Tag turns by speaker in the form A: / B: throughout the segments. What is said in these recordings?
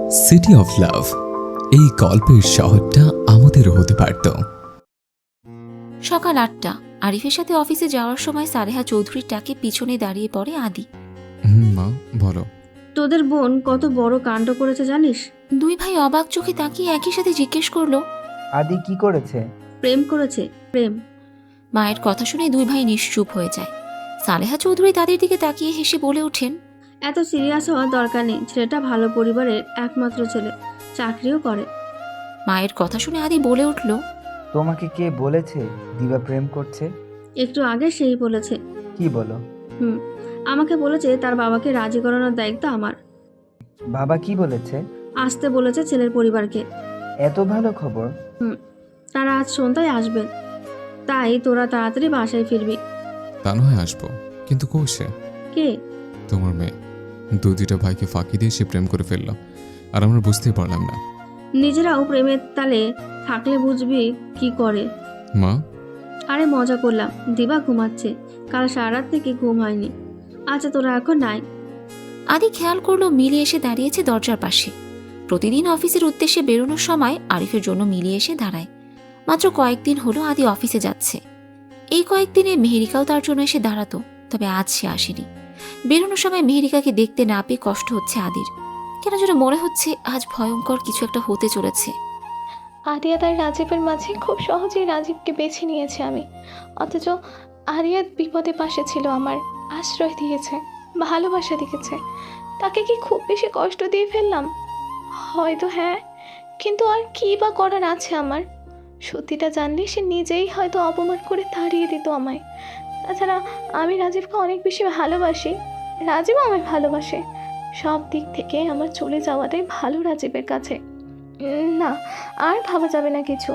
A: City of love, এই গল্পের শহরটা আমাদেরও হতে পারত।
B: সকাল ৮টা। আরিফের সাথে অফিসে যাওয়ার সময় সালেহা চৌধুরীর ডাকে পিছনে দাঁড়িয়ে পড়ে আদি।
A: মা বলো।
C: তোদের বোন কত বড় কাণ্ড করেছে জানিস?
B: দুই ভাই অবাক চোখে তাকিয়ে একই সাথে জিজ্ঞেস করলো,
D: আদি কি করেছে?
C: প্রেম করেছে, প্রেম।
B: মায়ের কথা শুনে দুই ভাই নিশ্চুপ হয়ে যায়। সালেহা চৌধুরী তাদের দিকে তাকিয়ে হেসে বলে ওঠেন,
C: এত সিরিয়াস হওয়ার দরকার নেই, ছেলেটা ভালো পরিবারের একমাত্র ছেলে, চাকরিও করে।
B: মায়ের কথা শুনে আদি বলে উঠল,
D: তোমাকে কে বলেছে দিবা প্রেম করছে?
C: একটু আগে সেই বলেছে।
D: কি বলো?
C: আমাকে বলেছে তার বাবাকে রাজি করানোর দায়িত্ব আমার।
D: বাবা কি বলেছে?
C: আসতে বলেছে ছেলের পরিবারকে।
D: এত ভালো খবর?
C: তারা আজ সন্ধ্যায় আসবেন, তাই তোরা তাড়াতাড়ি বাসায় ফিরবি।
A: তা না হয় আসবো, কিন্তু কোষে
C: কে?
A: তোমার মেয়ে দুইটা ভাইকে ফাঁকি দিয়ে সে প্রেম করে ফেললো, আর আমরা বুঝতেই পারলাম না।
C: নিজেরাও প্রেমের তালে থাকলে বুঝবি কি করে।
A: মা,
C: আরে মজা করলাম, দিবা ঘুমাচ্ছে, কাল সারা রাত থেকে ঘুম হয়নি। আচ্ছা তোরা এখন নাই।
B: আদি খেয়াল করলো মিলি এসে দাঁড়িয়েছে দরজার পাশে। প্রতিদিন অফিসের উদ্দেশ্যে বেরোনোর সময় আরিফের জন্য মিলি এসে দাঁড়ায়। মাত্র কয়েকদিন হলো আদি অফিসে যাচ্ছে। এই কয়েকদিনে মেহেরিকাও তার জন্য এসে দাঁড়াতো, তবে আজ সে আসেনি। বেরোনোর সময় মেহেরিকাকে দেখতে না পেয়ে কষ্ট হচ্ছে আদির। কেন যেন মনে হচ্ছে আজ ভয়ঙ্কর কিছু একটা হতে চলেছে।
E: আরিয়াত আর রাজীবের মাঝে খুব সহজেই রাজীবকে বেছে নিয়েছে আমি, অথচ আরিয়াত বিপদে পাশে ছিল, আমার আশ্রয় দিয়েছে, ভালোবাসা দিয়েছে। তাকে কি খুব বেশি কষ্ট দিয়ে ফেললাম? হয়তো হ্যাঁ, কিন্তু আর কী বা করার আছে আমার? সত্যিটা জানলে সে নিজেই হয়তো অপমান করে তাড়িয়ে দিত আমায়। তাছাড়া আমি রাজীবকে অনেক বেশি ভালোবাসি, রাজীবও আমায় ভালোবাসে। সব দিক থেকে আমার চলে যাওয়াটাই ভালো রাজীবের কাছে। না, আর ভাবা যাবে না কিছু।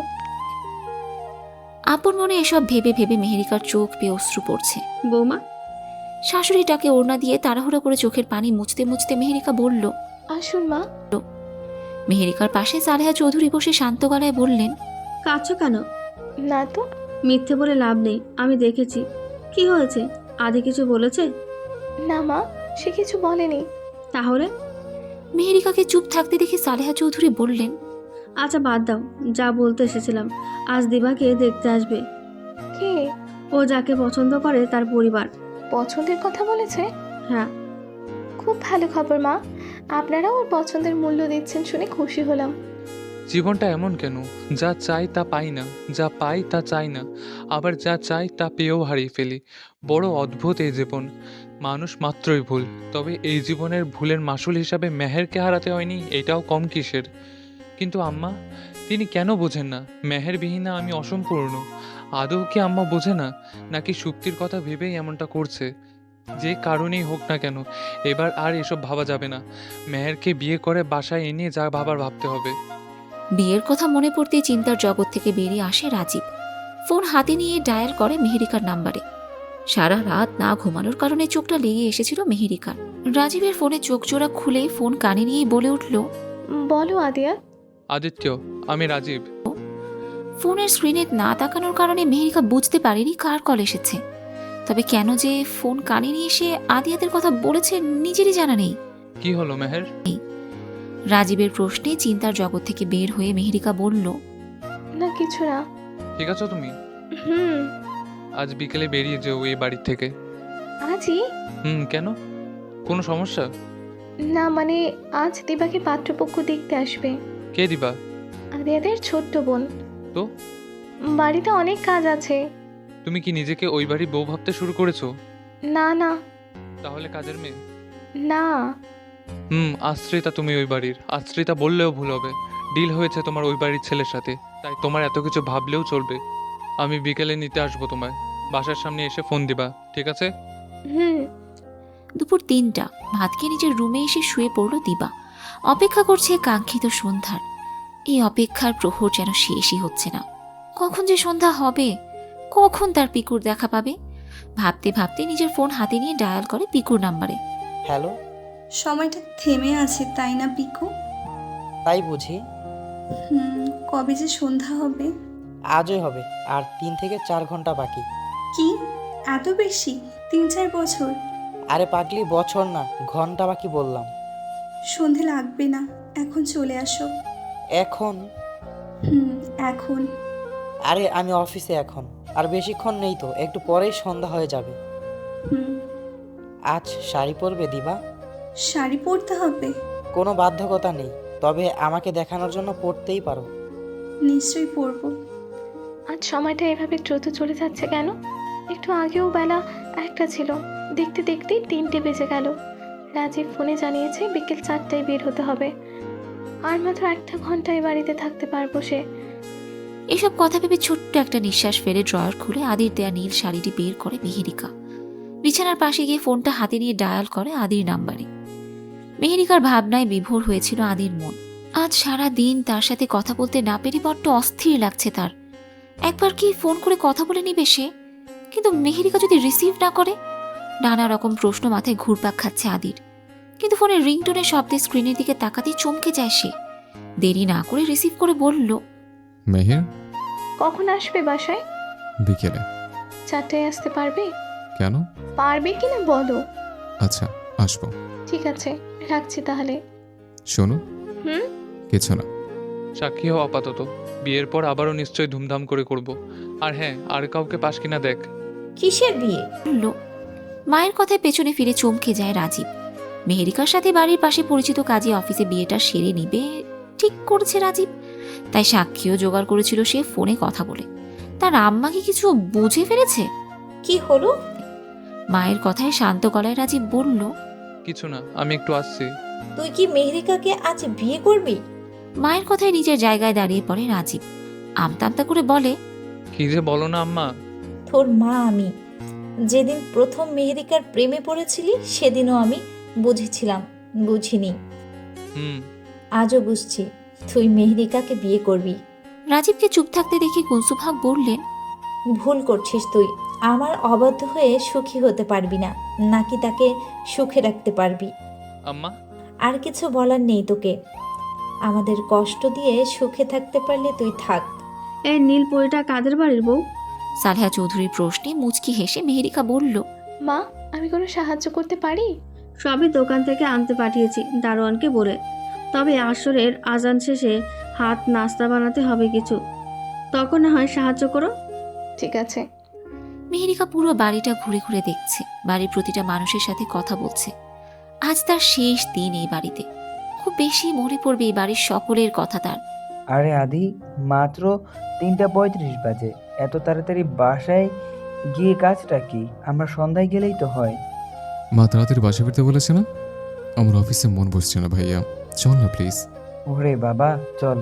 B: আপন মনে এসব ভেবে ভেবে মেহেরিকার চোখ পেয়ে অশ্রু পড়ছে।
C: বৌমা,
B: শাশুড়িটাকে ওড়না দিয়ে তাড়াহুড়ো করে চোখের পানি মুছতে মুছতে মেহেরিকা বলল।
E: আসুন মা।
B: মেহেরিকার পাশে সালেহা চৌধুরী বসে শান্ত গলায় বললেন,
C: কাঁদছো কেন?
E: না তো।
C: মিথ্যে বলে লাভ নেই, আমি দেখেছি। কি হয়েছে? আদি কিছু বলেছে?
E: না মা, সে কিছু বলেনি।
C: তাহলে?
B: মেহেরিকাকে চুপ থাকতে দেখে সালেহা চৌধুরী বললেন,
C: আচ্ছা বাদ দাও, যা বলতে এসেছিলাম, আজ দিবাকে দেখতে আসবে।
E: কে?
C: ও যাকে পছন্দ করে তার পরিবার।
E: পছন্দের কথা বলেছে?
C: হ্যাঁ।
E: খুব ভালো খবর মা, আপনারাও ওর পছন্দের মূল্য দিচ্ছেন শুনে খুশি হলাম।
F: জীবনটা এমন কেন, যা চাই তা পাই না, যা পাই তা চাই না, আবার যা চাই তা পেয়েও হারিয়ে ফেলি। বড় অদ্ভুত এই জীবন। মানুষ মাত্রই ভুল, তবে এই জীবনের ভুলের মাসুল হিসাবে মেহেরকে হারাতে হয়নি, এটাও কম কিসের। কিন্তু আম্মা, তিনি কেন বোঝেন না মেহেরবিহীনা আমি অসম্পূর্ণ? আদৌ কি আম্মা বোঝে না, নাকি সুক্তির কথা ভেবেই এমনটা করছে? যে কারণেই হোক না কেন, এবার আর এসব ভাবা যাবে না। মেহেরকে বিয়ে করে বাসায় এনে যা ভাবার ভাবতে হবে।
B: বিয়ের কথা মনে পড়তেই চিন্তার জগৎ থেকে বেরিয়ে আসে রাজীব। ফোন হাতে নিয়ে ডায়াল করে মেহেরিকার নাম্বারে। সারা রাত না ঘুমানোর কারণে চোখটা লেগে এসেছিল মেহেরিকার। রাজীবের ফোনে চোখ জোড়া খুলে ফোন কানে নিয়েই বলে উঠল,
E: বলো আদিয়া।
F: আদিত্য, আমি রাজীব।
B: ফোনের স্ক্রিনে না তাকানোর কারণে মেহেরিকা বুঝতে পারেনি কার কল এসেছে। তবে কেন যে ফোন কানে নিয়ে এসে আদিয়াতের কথা বলেছে নিজেরই জানা নেই।
F: কি হলো মেহের?
B: রাজীবের প্রশ্নে চিন্তার জগৎ থেকে বের হয়ে মেহেরিকা বলল,
E: না কিছু না।
F: ঠিক আছো তুমি?
E: হুম।
F: আজ বিকেলে বেরিয়ে যেও এই বাড়ি থেকে।
E: আজই?
F: কেন? কোনো সমস্যা?
E: না মানে, আজ দিবাকে পাত্রপক্ষ দেখতে আসবে।
F: কে দিবা?
E: আদিয়াদের ছোট্ট বোন।
F: তো?
E: বাড়িতে অনেক কাজ আছে।
F: তুমি কি নিজেকে ওই বাড়ি বউ ভাবতে শুরু করেছো?
E: না না।
F: তাহলে কাজের মেয়ে?
E: না।
F: আশ্রিতা তুমি ওই বাড়ির। আশ্রিতা বললেও ভুল হবে। ডিল হয়েছে তোমার ওই বাড়ির ছেলের সাথে, তাই তোমার এত কিছু ভাবলেও চলবে। আমি বিকেলে নিতে আসবো তোমায়, বাসার সামনে এসে ফোন দিবা, ঠিক আছে?
E: হুম।
B: দুপুর ৩টা। ভাত খেয়ে নিজের রুমে এসে শুয়ে পড়ল দিবা। অপেক্ষা করছে কাঙ্ক্ষিত সন্ধ্যার। এই অপেক্ষার প্রহর যেন শেষই হচ্ছে না। কখন যে সন্ধ্যা হবে, কখন তার পিকুর দেখা পাবে, ভাবতে ভাবতে নিজের ফোন হাতে নিয়ে ডায়াল করে পিকুর নাম্বারে।
G: হ্যালো।
H: সময়টা থেমে আছে তাই না পিকু?
G: তাই বুঝি?
H: কবে যে সন্ধ্যা হবে?
G: আজই হবে, আর 3 থেকে 4 ঘন্টা বাকি।
H: কি এত বেশি? 3-4 বছর?
G: আরে পাগলি, বছর না ঘন্টা বাকি বললাম।
H: সন্ধে লাগবে না, এখন চলে আসো।
G: এখন?
H: এখন।
G: আরে আমি অফিসে এখন, আর বেশিক্ষণ নেই তো, একটু পরেই সন্ধ্যা হয়ে যাবে।
H: হুম।
G: আজ শাড়ি পরবে দিবা?
H: শাড়ি পরতে হবে?
G: কোনো বাধ্যকতা নেই, তবে আমাকে দেখানোর জন্য পরতেই পারো।
H: নিশ্চয়ই পরবো।
E: আজ সময়টা এভাবে দ্রুত চলে যাচ্ছে কেন? একটু আগেও বেলা 1টা ছিল, দেখতে দেখতেই 3টে বেজে গেল। রাজীব ফোনে জানিয়েছে বিকেল 4টায় বের হতে হবে। আর মাত্র 1টা ঘন্টায় বাড়িতে থাকতে পারবো সে।
B: এসব কথা ভেবে ছোট্ট একটা নিঃশ্বাস ফেলে ড্রয়ার খুলে আদির দেয়া নীল শাড়িটি বের করে মেহেরিকা। বিছানার পাশে গিয়ে ফোনটা হাতে নিয়ে ডায়াল করে আদির নাম্বারে। মেহেরিকার ভাবনায় বিভোর হয়েছিল আদির মন। আজ সারা দিন তার সাথে কথা বলতে না পেরে বড্ড অস্থির লাগছে তার। একবার কি ফোন করে কথা বলে নিবে সে? কিন্তু মেহেরিকা যদি রিসিভ না করে? নানা রকম প্রশ্ন মাথায় ঘুরপাক খাচ্ছে আদির। কিন্তু ফোনের রিংটোনের শব্দে স্ক্রিনের দিকে তাকাতেই চমকে যায় সে। দেরি না করে রিসিভ করে বলল,
A: মেহের,
E: কখন আসবে বাসায়?
A: বিকেলে।
E: 4টায় আসতে পারবে?
A: কেন?
E: পারবে কিনা বলো।
A: আচ্ছা, আসবো।
E: ঠিক আছে, রাখছি তাহলে।
A: শোনো,
E: হুম?
A: কিছু না।
F: সাক্ষী হও আপাতত, বিয়ের পর আবারও নিশ্চয়ই ধুমধাম করে করব। আর হ্যাঁ, আর কাউকে পাস কিনা দেখ।
I: কিসের বিয়ে?
B: বলল। মায়ের কথায় পেছনে ফিরে চমকে যায় রাজীব। মেহেরিকার সাথে বাড়ির পাশে পরিচিত কাজে অফিসে বিয়েটা সেরে নিবে ঠিক করছে রাজীব। তাই সাক্ষীও জোগাড় করেছিল সে ফোনে কথা বলে। তার আম্মা কি কিছু বুঝে ফেলেছে?
I: কি হলো?
B: মায়ের কথায় শান্ত গলায় রাজীব বলল,
F: কিছু না, আমি একটু আসছি।
I: তুই কি মেহরিকাকে আজ বিয়ে করবি?
B: মায়ের কথায় নিজের জায়গায় দাঁড়িয়ে পড়ে রাজীব। আমতা আমতা করে বলে,
F: কি যে বলো না আম্মা।
I: তোর মা আমি। যেদিন প্রথম মেহরিকার প্রেমে পড়েছিলি সেদিনও আমি বুঝেছিলাম, বুঝিনি।
F: হুম।
I: আজও বুঝছি তুই মেহরিকাকে বিয়ে করবি।
B: রাজীবকে চুপ থাকতে দেখে কুনসুম বললেন,
I: ভুল করছিস তুই। আমার অবাধ্য হয়ে সুখী হতে পারবি না, নাকি তাকে সুখে রাখতে পারবি?
F: আম্মা,
I: আর কিছু বলার নেই তোকে। আমাদের কষ্ট দিয়ে সুখে থাকতে পারলে তুই থাক।
C: এই নীল পরিটা কাদের বাড়ির বউ?
B: সালেহা চৌধুরীর প্রশ্নে মুচকি হেসে মেহেরিকা বলল,
E: মা, আমি কোনো সাহায্য করতে পারি?
C: সবই দোকান থেকে আনতে পাঠিয়েছি দারোয়ানকে বলে। তবে আসরের আজান শেষে হাত নাস্তা বানাতে হবে কিছু, তখন না হয় সাহায্য করো।
E: ঠিক আছে।
B: মেহেরিকা পুরো বাড়িটা ঘুরে ঘুরে দেখছে, বাড়ির প্রতিটা মানুষের সাথে কথা বলছে। আজ তার শেষ দিন এই বাড়িতে। খুব বেশি মনে পড়বে এই বাড়ির সকলের কথা তার।
D: আরে আদি, মাত্র 3:35 বাজে। এত তাড়াতাড়ি বাসায় গিয়ে কাজটা কি? আমরা সন্ধ্যায় গেলেই তো হয়।
A: মা তাড়াতাড়ি বাসা ফিরতে বলেছে না? আমার অফিসে মন বসছে না ভাইয়া, চল না প্লিজ।
D: ওরে বাবা, চল।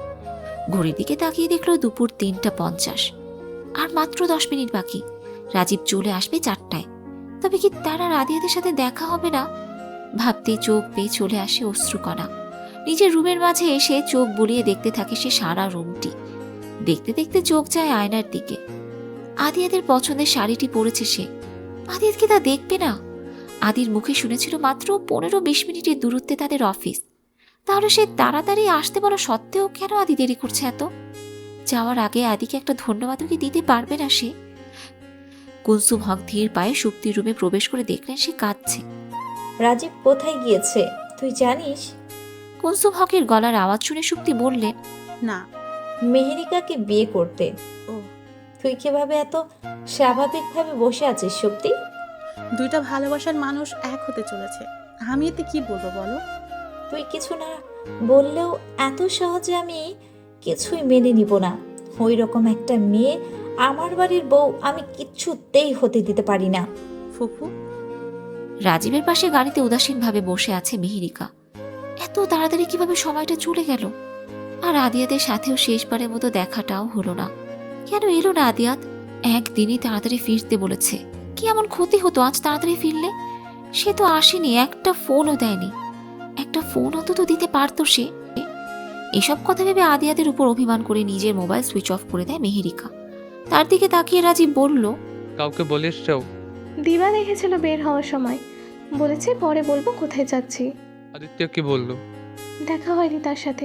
B: ঘড়ির দিকে তাকিয়ে দেখলো দুপুর 3:50। আর মাত্র 10 মিনিট বাকি। রাজীব চলে আসবে 4টায়। তবে কি তার আর আদিয়াদের সাথে দেখা হবে না? ভাবতেই চোখ পেয়ে চলে আসে অশ্রুকণা। নিজের রুমের মাঝে এসে চোখ বুলিয়ে দেখতে থাকে সে সারা রুমটি। দেখতে দেখতে চোখ যায় আয়নার দিকে। আদিয়াদের পছন্দের শাড়িটি পরেছে সে। আদিয়াদ কি তা দেখবে না? আদির মুখে শুনেছিল মাত্র 15-20 মিনিটের দূরত্বে তাদের অফিস। তাহলে সে তাড়াতাড়ি আসতে বলা সত্ত্বেও কেন আদি দেরি করছে এত? যাওয়ার আগে আদিকে একটা ধন্যবাদও কি দিতে পারবে না সে? কুনসুম হক ধীর পায়ে সুপ্তির রুমে প্রবেশ করে দেখলেন সে কাঁদছে।
I: রাজীব কোথায় গিয়েছে তুই জানিস?
B: কুনসুম হকের গলার আওয়াজ শুনে সুপ্তি বললেন,
J: না।
I: মেহরিকাকে বিয়ে করতে।
J: ও,
I: তুই কিভাবে এত স্বাভাবিকভাবে বসে আছিস সুপ্তি?
J: দুইটা ভালোবাসার মানুষ এক হতে চলেছে, আমি এতে কি বলবো বলো?
I: তুই কিছু না বললেও এত সহজে আমি কিছুই মেনে নিব না। ওই রকম একটা মেয়ে আমার বাড়ির বউ আমি কিচ্ছুতেই হতে দিতে পারি না।
J: ফুফু,
B: রাজীবের পাশে গাড়িতে উদাসীনভাবে বসে আছে মেহেরিকা। এত তাড়াতাড়ি কিভাবে সময়টা চলে গেল? আর আদিয়াদের সাথেও শেষবারের মতো দেখাটাও হলো না। কেন এলো না আদিয়াত? একদিনই তাড়াতাড়ি ফিরতে বলেছে। কি এমন ক্ষতি হতো আজ তাড়াতাড়ি ফিরলে? সে তো আসেনি, একটা ফোনও দেয়নি। একটা ফোন অন্তত দিতে পারতো সে। এসব কথা ভেবে আদিয়াদের উপর অভিমান করে নিজের মোবাইল সুইচ অফ করে দেয় মেহেরিকা। তার দিকে তাকিয়ে রাজীব বলল,
F: কাউকে বলিস চাও?
E: দিবা দেখেছিল বের হওয়ার সময়, বলেছে পরে বলবো কোথায় যাচ্ছি।
F: আদিত্য কি বললো?
E: দেখা হয়নি তার সাথে।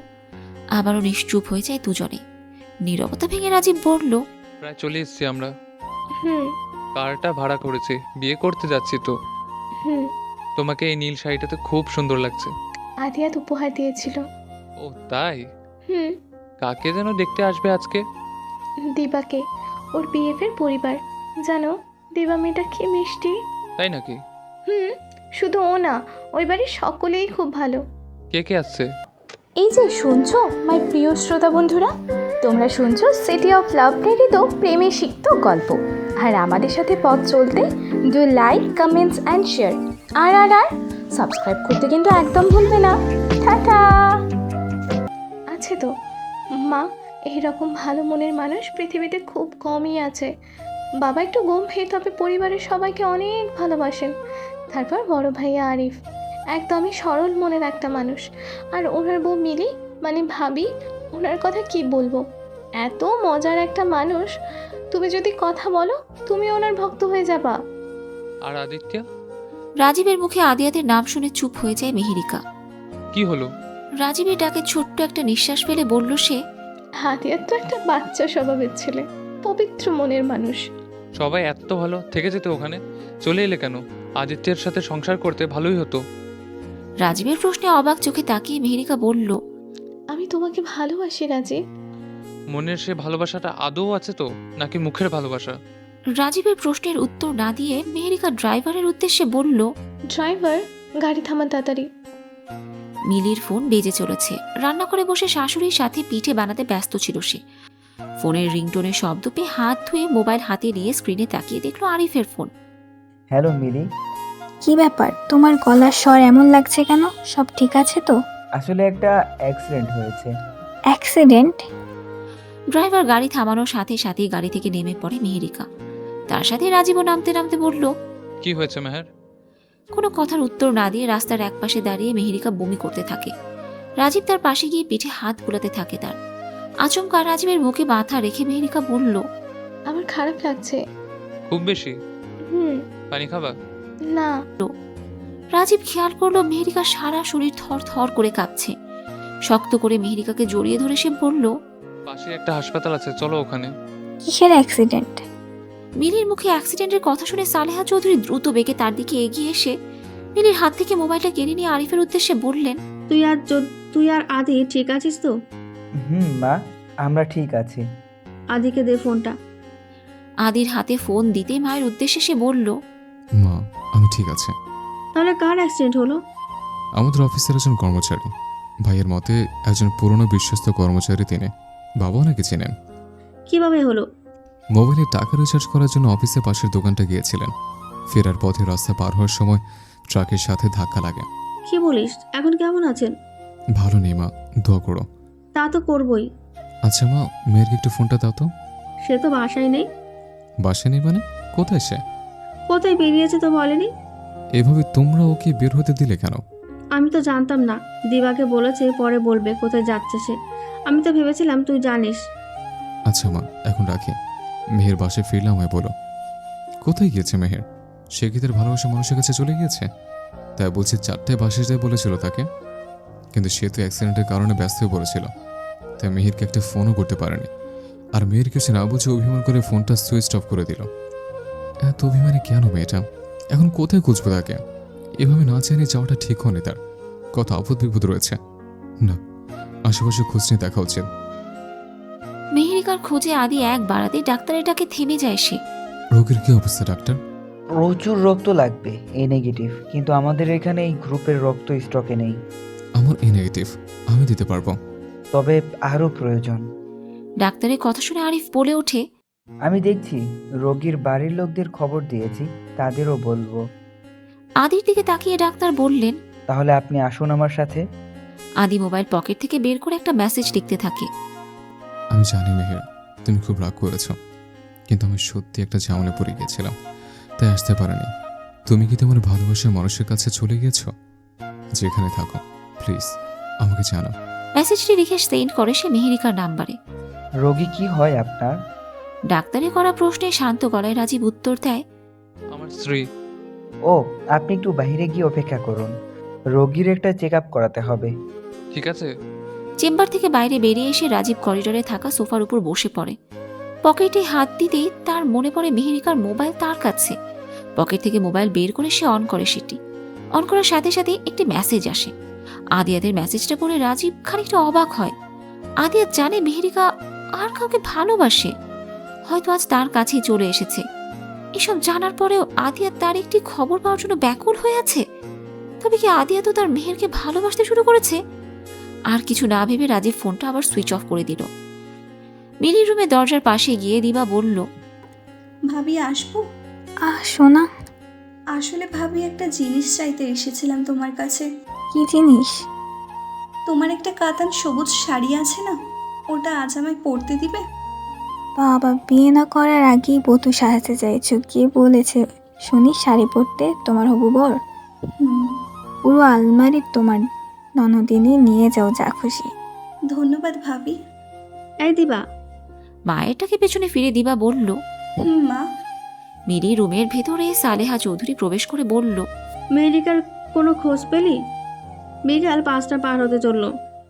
B: আবারও নিশ্চুপ হয়ে যায় দুজনে। নীরবতা ভেঙে রাজীব বলল,
F: প্রায় চলে এসছি আমরা।
E: হুম
F: কারটা ভাড়া করেছি, বিয়ে করতে যাচ্ছি তো।
E: হুম।
F: তোমাকে এই নীল শাড়িটাতে খুব সুন্দর লাগছে।
E: আদিয়াত উপহার দিয়েছিল।
F: ও তাই?
E: হুম।
F: কাকে যেন দেখতে আসবে আজকে?
E: দিবাকে, ওর বিএফের পরিবার। জানো দিবা মেয়েটা কি মিষ্টি।
F: তাই নাকি?
E: হুম, শুধু ও না, ওই বাড়ির সকলেই খুব ভালো।
F: কে কে আসছে?
E: এই যে শুনছো মাই প্রিয় শ্রোতা বন্ধুরা, তোমরা শুনছো সিটি অফ লাভ প্রেরিত প্রেমে সিক্ত গল্প। আর আমাদের সাথে পথ চলতে do like, comments and share. আর সাবস্ক্রাইব করতে কিন্তু একদম ভুলবে না। টাটা। আছে তো মা, এইরকম ভালো মনের মানুষ পৃথিবীতে খুব কমই আছে। বাবা একটু গম্ভীর, তবে পরিবারের সবাইকে অনেক ভালোবাসেন। তারপর বড় ভাইয়া আরিফ, একদমই সরল মনের একটা মানুষ। আর ওনার বউ মিলি, মানে ভাবি, ওনার কথা কি বলবো, এত মজার একটা মানুষ। তুমি যদি কথা বলো, তুমি ওনার ভক্ত হয়ে যাবা।
F: আর আদিত্য?
B: রাজীবের মুখে আদিয়াতের নাম শুনে চুপ হয়ে যায় মেহেরিকা।
F: কি হলো?
B: রাজীবের ডাকে ছোট্ট একটা নিঃশ্বাস ফেলে বলল সে,
E: আদিয়াত তো একটা বাচ্চা স্বভাবের ছেলে, পবিত্র মনের মানুষ।
F: সবাই এত ভালো, থেকে যেতে ওখানে চলে এলে কেন? আদিত্যের সাথে সংসার করতে ভালোই হতো।
B: রাজীবের প্রশ্নে অবাক চোখে তাকিয়ে মেহেরিকা বলল,
E: আমি তোমাকে ভালোবাসি রাজীব।
F: মনের সে ভালোবাসাটা আদৌ আছে তো, নাকি মুখের ভালোবাসা?
B: রাজীবের প্রশ্নের উত্তর না দিয়ে মেহেরিকা ড্রাইভারের উদ্দেশ্যে বলল,
E: ড্রাইভার, গাড়ি থামান তাড়াতাড়ি।
B: মিলির ফোন বেজে চলেছে। রান্না করে বসে শাশুড়ির সাথে পিঠে বানাতে ব্যস্ত ছিল সে। ফোনের রিংটোনের শব্দ পেয়ে হাত ধুয়ে মোবাইল হাতে নিয়ে স্ক্রিনে তাকিয়ে দেখলো আরিফের ফোন।
D: হ্যালো মিলি।
K: কি ব্যাপার, তোমার গলার স্বর এমন লাগছে কেন? সব ঠিক আছে তো?
D: আসলে একটা অ্যাক্সিডেন্ট হয়েছে।
K: অ্যাক্সিডেন্ট?
B: ড্রাইভার গাড়ি থামানোর সাথে সাথেই গাড়ি থেকে নেমে পড়ে মেহেরিকা। তার সাথে রাজীবও নামতে নামতে বলল,
F: কি হয়েছে মেহের?
B: কোনো কথার উত্তর না দিয়ে রাস্তার একপাশে দাঁড়িয়ে মেহেরিকা বমি করতে থাকে। রাজীব তার পাশে গিয়ে পিঠে হাত বুলাতে থাকে তার। আচমকা রাজীবের মুখে মাথা রেখে মেহেরিকা বলল,
E: আমার খারাপ লাগছে।
F: খুব বেশি?
E: হুম।
F: পানি খাবা?
E: না।
B: রাজীব খেয়াল করলো মেহেরিকার সারা শরীর থর থর করে কাঁপছে। শক্ত করে মেহেরিকাকে জড়িয়ে ধরে সে বলল,
F: পাশে একটা হাসপাতাল আছে, চলো ওখানে।
K: কিসের অ্যাক্সিডেন্ট?
B: মিলির মুখে অ্যাক্সিডেন্টের কথা শুনে সালেহা চৌধুরী দ্রুত বেগে তার দিকে এগিয়ে এসে মিলির হাত থেকে মোবাইলটা কেড়ে নিয়ে আরিফের উদ্দেশ্যে বললেন,
C: তুই আর আদি ঠিক আছিস তো?
D: মা, আমরা ঠিক আছি।
C: আদিকে দে ফোনটা।
B: আদির হাতে ফোন দিতে মায়ের উদ্দেশ্যে সে বলল,
A: মা, আমি ঠিক আছে।
C: তাহলে কার অ্যাক্সিডেন্ট হলো?
A: আমাদের অফিসের একজন কর্মচারী, ভাইয়ের মতে একজন পুরনো বিশ্বস্ত কর্মচারী তিনি। বাবাও নাকি চেনেন।
C: কিভাবে হলো?
A: মোবাইলে টাকা রিচার্জ করার জন্য অফিসের পাশের দোকানটা গিয়েছিলেন। ফেরার পথে রাস্তা পার হওয়ার সময় ট্রাকের সাথে ধাক্কা লাগে।
C: কি বলিস? এখন কেমন আছেন?
A: ভালো নেই মা, দোয়া করো।
C: তা তো করবই।
A: আচ্ছা মা, মেয়েরকে একটু ফোনটা দাও তো।
C: সে তো বাসায় নেই।
A: বাসে নেই মানে? কোথায় সে?
C: কোথায় বেরিয়েছে তো বলেনি।
A: এভাবে তোমরা ওকে বের হতে দিলে কেন?
C: আমি তো জানতাম না। দিবাকে বলেছে পরে বলবে কোথায় যাচ্ছে সে। আমি তো ভেবেছিলাম তুই জানিস।
A: আচ্ছা মা, এখন রাখি। মেহের বাসে ফিরলাম হয় বলো। কোথায় গিয়েছে মেহের? সে কি তার ভালোবাসা মানুষের কাছে চলে গিয়েছে? তাই বলছি 4টায় বাসে যায় বলেছিল তাকে, কিন্তু সে তো অ্যাক্সিডেন্টের কারণে ব্যস্ত হয়ে পড়েছিল, তাই মেহেরকে একটা ফোনও করতে পারেনি। আর মেয়ের কিছু না বুঝে অভিমান করে ফোনটা সুইচ অফ করে দিল। এত অভিমানে কেন মেয়েটা? এখন কোথায় খুঁজবো তাকে? এভাবে না জানিয়ে যাওয়াটা ঠিক হয়নি তার। কত আপদ বিপদ রয়েছে। না, আশেপাশে খোঁজ নিয়ে দেখা উচিত।
B: মেহেরিকার খোঁজে আদি এক বাড়াতে ডাক্তারের ডাকে থেমে যায় সে।
A: রোগীর কি অবস্থা ডাক্তার?
D: প্রচুর রক্ত লাগবে, এ নেগেটিভ, কিন্তু আমাদের এখানে এই গ্রুপের রক্ত স্টকে নেই।
A: আমার এ নেগেটিভ, আমি দিতে পারবো।
D: তবে আরও প্রয়োজন।
B: ডাক্তারের কথা শুনে আরিফ বলে ওঠে,
D: আমি দেখছি, রোগীর বাড়ির লোকদের খবর দিয়েছি, তাদেরও বলবো।
B: আদির দিকে তাকিয়ে ডাক্তার বললেন,
D: তাহলে আপনি আসুন আমার সাথে।
B: আদি মোবাইল পকেট থেকে বের করে একটা মেসেজ লিখতে থাকে।
A: আমি জানি মেহের, তুমি খুব রাগ করেছ, কিন্তু আমি সত্যি একটা ঝামেলা পড়ে গিয়েছিলাম, তাই আসতে পারিনি। তুমি কি তোমার ভালোবাসার মানুষের কাছে চলে গিয়েছ? যেখানে থাকো প্লিজ আমাকে জানাও।
B: মেসেজটি লিখে সেন্ড করে সে মেহেরিকার নাম্বারে।
D: রোগী কি হয় আপনার?
B: ডাক্তারের করা প্রশ্নে শান্ত গলায় রাজীব উত্তর দেয়,
F: আমার স্ত্রী।
D: ও, আপনি একটু বাইরে গিয়ে অপেক্ষা করুন, রোগীর একটা চেক আপ করাতে হবে।
F: ঠিক আছে।
B: চেম্বার থেকে বাইরে বেরিয়ে এসে রাজীব করিডোরে থাকা সোফার উপর বসে পড়ে। পকেটে হাত দিতেই তার মনে পড়ে মেহেরিকার মোবাইল তার কাছে। পকেট থেকে মোবাইল বের করে সে অন করে সেটি। অন করার সাথে সাথে একটি মেসেজ আসে। আদিয়াদের মেসেজটা পড়ে রাজীব খানিকটা অবাক হয়। আদিয়া জানে মেহেরিকা আর কাউকে ভালোবাসে, হয়তো আজ তার কাছেই চলে এসেছে। এসব জানার পরেও আদিয়া তার একটি খবর পাওয়ার জন্য ব্যাকুল হয়ে আছে। তবে কি আদিয়া তো তার মেহেরকে ভালোবাসতে শুরু করেছে? আর কিছু না ভেবে রাজীব ফোনটা আবার সুইচ অফ করে দিল। মিলির রুমে দরজার পাশে গিয়ে দিবা বলল,
H: ভাবি আসবো?
K: সোনা,
H: আসলে ভাবি একটা জিনিস চাইতে এসেছিলাম তোমার কাছে।
K: কি জিনিস?
H: তোমার একটা কাতান সবুজ শাড়ি আছে না, ওটা আজ আমায় পরতে দিবে?
K: বাবা, বিয়ে না করার আগেই বধূ সাজাতে চাইছো? কে বলেছে শুনি শাড়ি পরতে? তোমার হবু বর?
H: হুম।
K: পুরো আলমারি তোমার, ননদিনে নিয়ে যাও যা খুশি।
H: ধন্যবাদ ভাবি।
C: এই দিবা,
B: মায়েরটাকে পেছনে ফিরে দিবা বলল।
H: মা।
B: মিলি রুমের ভেতরে সালেহা চৌধুরী প্রবেশ করে বলল,
C: মেহেরিকার কোনো খোঁজ পেলি? বিকাল 5টা পার হতে চললো।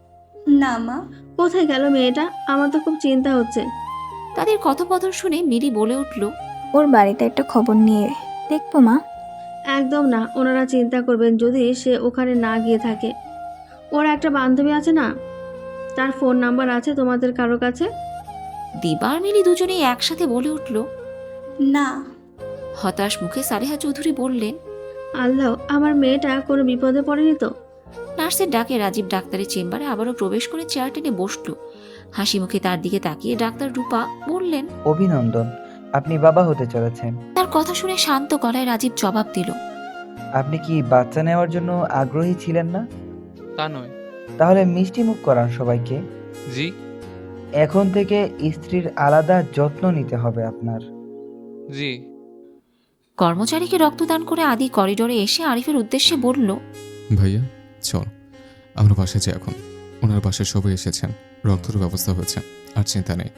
H: না মা।
C: কোথায় গেল মেয়েটা? আমার তো খুব চিন্তা হচ্ছে।
B: তাদের কথোপকথন শুনে মিলি বলে উঠল,
K: ওর বাড়িতে একটা খবর নিয়ে দেখবো মা।
C: একদম না, ওনারা চিন্তা করবেন যদি সে ওখানে না গিয়ে থাকে। ওর একটা বান্ধবী আছে না, তার ফোন নাম্বার আছে তোমাদের কারো কাছে?
B: দিবা আর মিলি দুজনেই একসাথে বলে উঠল।
H: না।
B: হতাশ মুখে সালেহা চৌধুরী বললেন,
C: আল্লাহ, আমার মেয়েটা কোনো বিপদে পড়েনি তো?
B: নার্সের ডাকে রাজীব ডাক্তারের চেম্বারে আবারও প্রবেশ করে চেয়ার টেনে বসল। হাসি মুখে তার দিকে তাকিয়ে ডাক্তার রূপা বললেন,
D: অভিনন্দন, আপনি বাবা হতে চলেছেন।
B: তার কথা শুনে শান্ত গলায় রাজীব জবাব দিল,
D: আপনি কি বাচ্চা নেওয়ার জন্য আগ্রহী ছিলেন না?
F: তা নয়।
D: তাহলে মিষ্টি মুখ করান সবাইকে।
F: জি।
D: এখন থেকে স্ত্রীর আলাদা যত্ন নিতে হবে আপনার।
F: জি।
B: কর্মচারীকে রক্তদান করে আদি করিডোরে এসে আরিফের উদ্দেশ্যে বলল,
A: ভাইয়া চল, আমরা বাসায় যাই এখন। ওনার বাসায় সবাই এসেছেন, রক্তের ব্যবস্থা হয়েছে, আর চিন্তা নেই।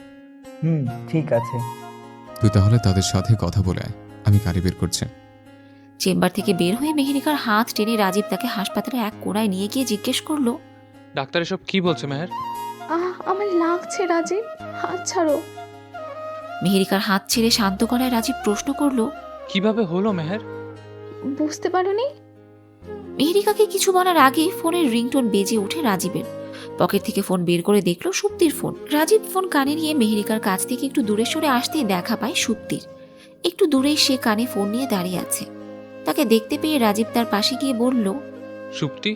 D: ঠিক আছে।
A: তুই তাহলে তাদের সাথে কথা বলে আয়, আমি গাড়ি বের করছি।
B: চেম্বার থেকে বের হয়ে মেহেরিকার হাত টেনে রাজীব তাকে হাসপাতালে এক কোণায় নিয়ে গিয়ে জিজ্ঞেস করলো,
F: ডাক্তার এসব কি বলছে মেহের?
E: আমার লাগছে রাজীব, হাত ছাড়ো।
B: মেহেরিকার হাত ছেড়ে শান্ত গলায় রাজীব প্রশ্ন করলো,
F: কিভাবে হলো মেহের?
E: বুঝতে পারোনি?
B: মেহেরিকাকে কিছু বলার আগেই ফোনের রিংটোন বেজে ওঠে রাজীবের। পকেট থেকে ফোন বের করে দেখলো সুপ্তির ফোন। রাজীব ফোন কানে নিয়ে মেহেরিকার কাছ থেকে একটু দূরে সরে আসতেই দেখা পায় সুপ্তির। একটু দূরেই সে কানে ফোন নিয়ে দাঁড়িয়ে আছে। তাকে দেখতে পেয়ে রাজীব তার পাশে গিয়ে বলল,
F: সুপ্তি?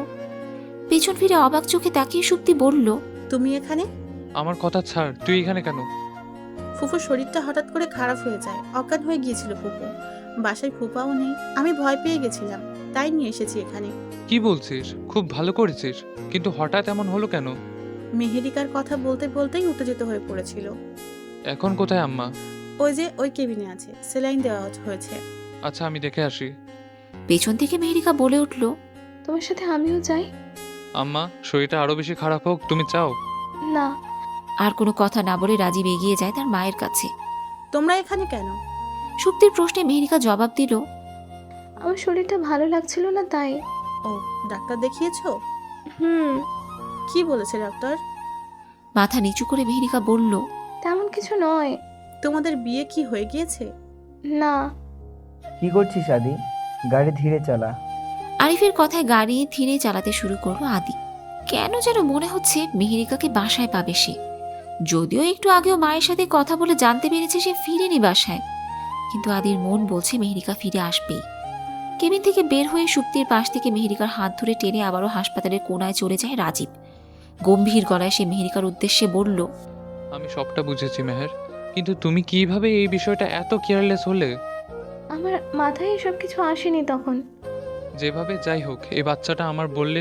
B: পেছন ফিরে অবাক চোখে তাকিয়ে সুপ্তি বলল,
J: তুমি এখানে?
F: আমার কথা ছাড়, তুই এখানে কেন?
J: ফুফুর শরীরটা হঠাৎ করে খারাপ হয়ে যায়, অজ্ঞান হয়ে গিয়েছিল ফুফু। বাসায় ফুপাও নেই, আমি ভয় পেয়ে গেছিলাম, তাই নিয়ে এসেছি এখানে।
F: কি বলছিস? খুব ভালো করেছিস, কিন্তু হঠাৎ এমন হলো কেন?
J: মেহেরিকার কথা বলতে বলতেই উত্তেজিত হয়ে পড়েছিল।
F: এখন কোথায় আম্মা?
J: ওই যে ওই কেবিনে আছে, সেলাইন দেওয়া হয়েছে।
F: আচ্ছা, আমি দেখে আসি।
B: পেছন থেকে মেহেরিকা বলে উঠল,
E: তোমার সাথে আমিও যাই?
F: আম্মা, শরীরটা আরো বেশি খারাপ হোক, তুমি চাও?
E: না।
B: আর কোনো কথা না বলে রাজীব এগিয়ে যায় তার মায়ের কাছে।
J: তোমরা এখানে কেন?
B: সুপ্তির প্রশ্নে মেহেরিকা জবাব দিল,
E: আমার শরীরটা ভালো লাগছিল না তাই।
J: ও, ডাক্তার দেখিয়েছো?
E: হুম।
J: কি বলেছে ডাক্তার?
B: মাথা নিচু করে মেহেরিকা বলল,
E: তেমন কিছু নয়।
J: তোমাদের বিয়ে কি হয়ে গিয়েছে?
E: না।
D: কি করছিস আদি? গাড়ি ধীরে চালা।
B: আরিফের কথায় গাড়ি ধীরে চালাতে শুরু করলো আদি। কেন যেন মনে হচ্ছে মেহেরিকাকে বাসায় পাবে সে। যদিও একটু আগেও মায়ের সাথে কথা বলে জানতে পেরেছে সে ফিরেনি বাসায়, কিন্তু আদির মন বলছে মেহেরিকা ফিরে আসবেই। কেবিন থেকে বের হয়ে সুপ্তির পাশ থেকে মেহেরিকার হাত ধরে টেনে আবারও হাসপাতালের কোণায় চলে যায় রাজীব। গম্ভীর গলায় সে মেহেরিকার উদ্দেশ্যে বলল,
F: আমি সবটা বুঝেছি মেহের, কিন্তু তুমি কিভাবে এই বিষয়টা এত কেয়ারলেস হলে?
E: আমার মাথায় এসব কিছু আসেনি তখন।
F: যেভাবে যাই হোক এই বাচ্চাটা আমার বললে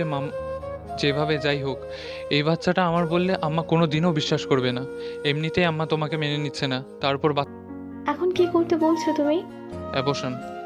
F: আমার বললে আম্মা কোনো দিনও বিশ্বাস করবে না। এমনিতেই আম্মা তোমাকে মেনে নিচ্ছে না, তারপর
E: এখন কি করতে বলছো তুমি?
F: অ্যাবর্শন।